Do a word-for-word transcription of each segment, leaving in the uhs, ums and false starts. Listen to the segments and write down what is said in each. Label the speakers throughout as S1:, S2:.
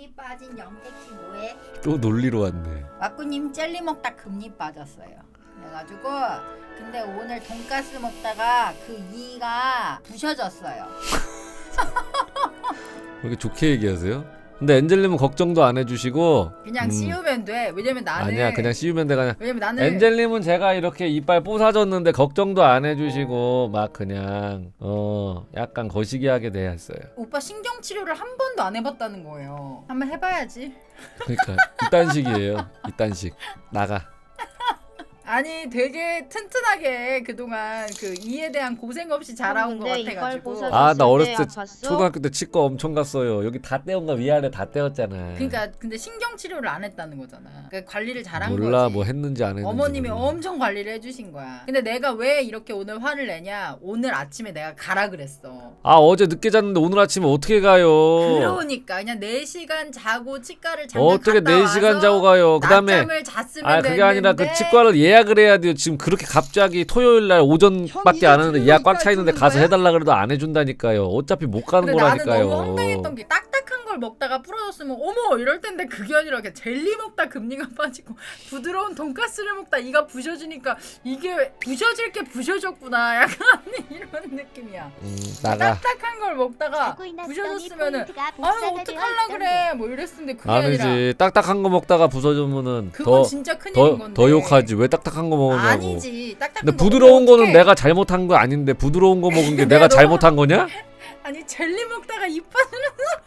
S1: 금리 빠진 영택씨 뭐해?
S2: 또 놀리러 왔네.
S1: 와꾸님 젤리 먹다 금리 빠졌어요. 그래가지고 근데 오늘 돈가스 먹다가 그 이가 부셔졌어요.
S2: 왜 이렇게 좋게 얘기하세요? 근데 엔젤님은 걱정도 안 해주시고
S1: 그냥
S2: 음.
S1: 씌우면 돼. 왜냐면 나는
S2: 아니야 그냥 씌우면 돼. 그냥
S1: 왜냐면 나는
S2: 엔젤님은 제가 이렇게 이빨 뽀사졌는데 걱정도 안 해주시고 막 그냥 어 약간 거시기하게 대했어요.
S1: 오빠 신경 치료를 한 번도 안 해봤다는 거예요. 한번 해봐야지.
S2: 그러니까 이딴 식이에요. 이딴 식 나가.
S1: 아니 되게 튼튼하게 그동안 그 이에 대한 고생 없이 자라온 것
S3: 근데 이빨
S1: 같아가지고.
S3: 보사-
S2: 아 나 어렸을 때
S3: 아팠어?
S2: 초등학교 때 치과 엄청 갔어요. 여기 다 떼온 거 위아래 다 떼었잖아.
S1: 그러니까 근데 신경 치료를 안 했다는 거잖아. 그러니까 관리를 잘한
S2: 몰라
S1: 거지.
S2: 뭐 했는지 안 했는지.
S1: 어머님이
S2: 몰라.
S1: 엄청 관리를 해주신 거야. 근데 내가 왜 이렇게 오늘 화를 내냐? 오늘 아침에 내가 가라 그랬어.
S2: 아 어제 늦게 잤는데 오늘 아침에 어떻게 가요?
S1: 그러니까 그냥 네 시간 자고 치과를 잠깐
S2: 어떻게
S1: 갔다
S2: 네 시간
S1: 와서
S2: 자고 가요? 그다음에
S1: 낮잠을 잤으면
S2: 아 그게 아니라 그
S1: 됐는데
S2: 치과를 예약을 해야 돼요. 지금 그렇게 갑자기 토요일 날 오전밖에 안 하는데 예약 꽉 차 있는데 가서 해달라 그래도 안 해준다니까요. 어차피 못 가는
S1: 근데 나는
S2: 거라니까요.
S1: 너무 황당했던 게 딱딱한 걸 먹다가 부러졌으면 어머 이럴 텐데 그게 아니라 그냥 젤리 먹다 금리가 빠지고 부드러운 돈가스를 먹다 이가 부셔지니까 이게 부셔질 게 부셔졌구나 약간 이런 느낌이야.
S2: 음, 나가.
S1: 딱딱한 걸 먹다가 부셔졌으면은 아유 어떡할라 그래 뭐 이랬는데 그게 아니라
S2: 아니지. 딱딱한 거 먹다가 부서지면은
S1: 그건
S2: 더
S1: 진짜 큰일인
S2: 더,
S1: 건데
S2: 더 욕하지. 왜 딱딱한 거 먹었냐고.
S1: 아니지 딱딱한
S2: 근데
S1: 거
S2: 부드러운
S1: 먹으면
S2: 거는
S1: 어떡해.
S2: 내가 잘못한 거 아닌데 부드러운 거 먹은 게
S1: 내가
S2: 내가
S1: 너무-
S2: 잘못한 거냐?
S1: 아니 젤리 먹다가 입 빠지는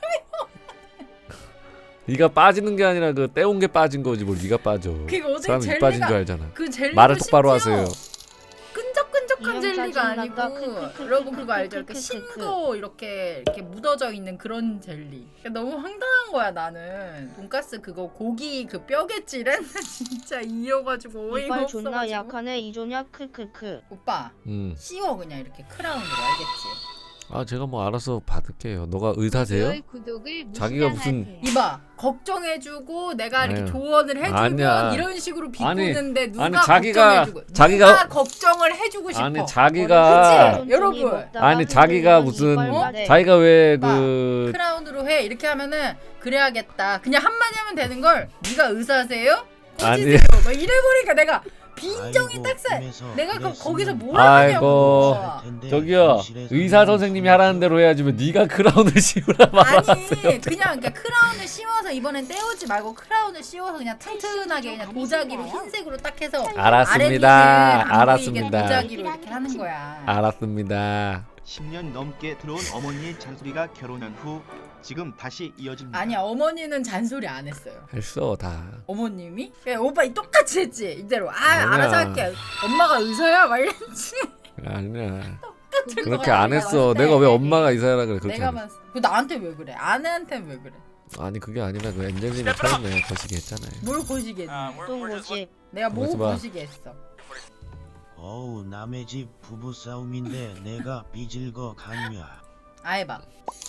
S2: 네가 빠지는 게 아니라 그 떼온 게 빠진 거지 뭘 네가 빠져.
S1: 그게 어떻게
S2: 사람 입
S1: 젤리가
S2: 빠진 줄 알잖아.
S1: 그 젤리도
S2: 말을 똑바로
S1: 심지어
S2: 하세요.
S1: 끈적끈적한
S3: 이형
S1: 젤리가
S3: 짜증난다.
S1: 아니고
S3: 크크크크크크크크.
S1: 여러분 그거 알죠? 이렇게 신거 이렇게 이렇게 묻어져 있는 그런 젤리. 그러니까 너무 황당한 거야 나는. 돈가스 그거 고기 그 뼈겠지는 진짜 이어가지고 어이가
S3: 이빨
S1: 없어가지고.
S3: 존나 약하네 이조냐 크크크.
S1: 오빠
S2: 음.
S1: 씌워 그냥 이렇게 크라운으로 알겠지?
S2: 아 제가 뭐 알아서 받을게요. 너가 의사세요? 자기가 무슨
S1: 이봐 걱정해주고 내가 이렇게
S2: 아유.
S1: 조언을 해주면
S2: 아니야.
S1: 이런 식으로
S2: 아니,
S1: 비꼬는데 누가
S2: 아니, 자기가-
S1: 걱정해주고
S2: 자기가-
S1: 누가 걱정을 해주고 싶어.
S2: 아니 자기가
S1: 그치? 여러분.
S2: 아니 자기가 무슨
S1: 어?
S2: 자기가 왜
S1: 오빠,
S2: 그
S1: 크라운으로 해 이렇게 하면은 그래야겠다 그냥 한마디 하면 되는 걸 네가 의사세요?
S2: 아니.
S1: 꼬지세요 막 이래버리니까 내가 빈정이 딱세 내가 그 거기서 뭐라
S2: 아이고.
S1: 하냐고.
S2: 저기요 의사 선생님이 하라는 대로 해야지 왜 네가 크라운을 씌우라 말았어요.
S1: 아니 그냥 그러니까 크라운을 씌워서 이번엔 떼우지 말고 크라운을 씌워서 그냥 튼튼하게 그냥 도자기로 흰색으로 딱 해서
S2: 알았습니다.
S1: 아랫니는 안 보이게
S2: 알았습니다.
S1: 도자기로 이렇게 하는 거야.
S2: 알았습니다.
S4: 십 년 넘게 들어온 어머니의 잔소리가 결혼한 후 지금 다시 이어집니다.
S1: 아니야 어머니는 잔소리 안 했어요.
S2: 했어 다.
S1: 어머님이? 야, 오빠 똑같이 했지 이대로. 아
S2: 아니야.
S1: 알아서 할게. 엄마가 의사야 막 이랬지.
S2: 아니야.
S1: 똑같은
S2: 그렇게
S1: 거야,
S2: 안
S1: 내가
S2: 했어.
S1: 봤을 때.
S2: 내가 왜 엄마가 이사하라 그래. 그렇게
S1: 내가
S2: 안 했어.
S1: 봤을 그 나한테 왜 그래? 아내한테 왜 그래?
S2: 아니 그게 아니라 그 엔젤님이 처음에 거시기 했잖아요.
S1: 뭘 고시게 했니?
S3: 똥고집.
S1: 내가 뭐
S2: 그러지 마.
S1: 고시게 했어?
S5: 어우 남의 집 부부 싸움인데 내가 삐질 거 같냐.
S1: 아 해봐.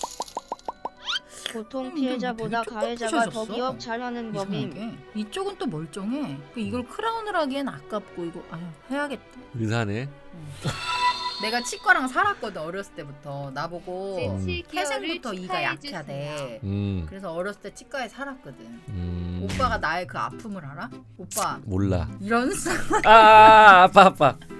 S3: 보통
S1: 음,
S3: 피해자보다
S1: 되게
S3: 가해자가 더
S1: 뚝뚝
S3: 기업 잘하는 법임.
S1: 이상하게 이쪽은 또 멀쩡해. 그 이걸 크라운을 하기엔 아깝고 이거 아유 해야겠다.
S2: 의사네.
S1: 내가 치과랑 살았거든 어렸을 때부터 나보고
S2: 음.
S1: 태생부터 이가 약하대.
S2: 음.
S1: 그래서 어렸을 때 치과에 살았거든.
S2: 음.
S1: 오빠가 나의 그 아픔을 알아? 오빠
S2: 몰라.
S1: 이런 사
S2: 아, 아 아파 아파.